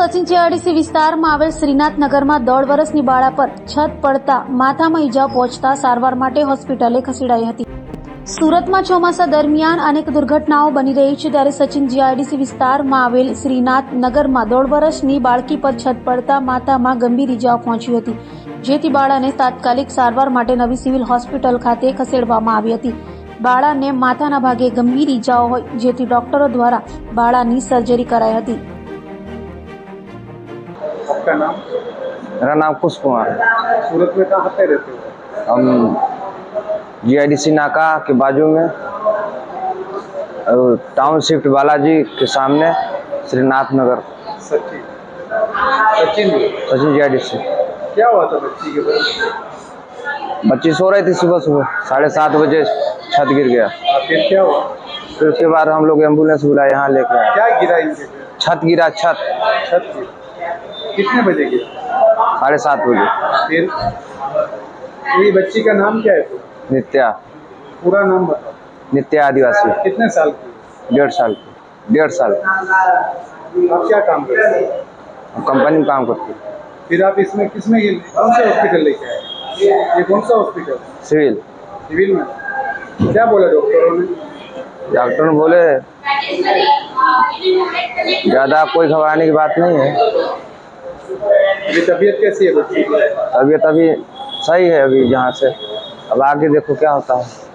Sachin GIDC વિસ્તારમાં આવેલ શ્રીનાથ નગરમાં 1.5 વર્ષની બાળા પર છત પડતા માથામાં ઈજા પહોંચતા સારવાર માટે હોસ્પિટલે ખસેડાઈ હતી। સુરતમાં ચોમાસા દરમિયાન અનેક દુર્ઘટનાઓ બની રહી છે, ત્યારે સચિન જીઆઈડીસી વિસ્તારમાં આવેલ શ્રીનાથ નગરમાં 1.5 વર્ષની બાળકી પર છત પડતા માથામાં ગંભીર ઈજાઓ પહોંચી હતી, જેથી બાળાને તાત્કાલિક સારવાર માટે નવી સિવિલ હોસ્પિટલ ખાતે ખસેડવામાં આવી હતી। બાળાને માથાના ભાગે ગંભીર ઈજાઓ હોય, જેથી ડોક્ટરો દ્વારા બાળાની સર્જરી કરાઈ હતી। आपका नाम? मेरा नाम कुश कुमार। सूरत में कहाँ पे रहते हो? हम जीआईडीसी नाका के बाजू में टाउन शिफ्ट बालाजी के सामने श्रीनाथ नगर। सचिन सचिन सचिन जीआईडीसी। क्या हुआ था बच्ची के पास? बच्ची सो रही थी, सुबह सुबह 7:30 बजे छत गिर गया। फिर क्या हुआ? फिर उसके बाद हम लोग एम्बुलेंस बुलाए, यहाँ लेके आए। क्या गिरा इनके पे? छत गिरा, छत गिरा। कितने बजे गिरा? 7:30 बजे। फिर ये बच्ची का नाम क्या है? तो नित्या। पूरा नाम बताओ। नित्या आदिवासी। कितने साल की? 1.5 साल की। 1.5 साल। आप क्या काम करते हो? कंपनी में काम करती है। फिर आप इसमें किसमें कौन से हॉस्पिटल लेके आए? ये कौन सा हॉस्पिटल? सिविल। सिविल में क्या बोला डॉक्टरों ने? डॉक्टर ने बोले ज़्यादा कोई घबराने की बात नहीं है। ये तबीयत कैसी है बच्ची की? तबीयत अभी सही है, अभी यहाँ से अब आगे देखो क्या होता है।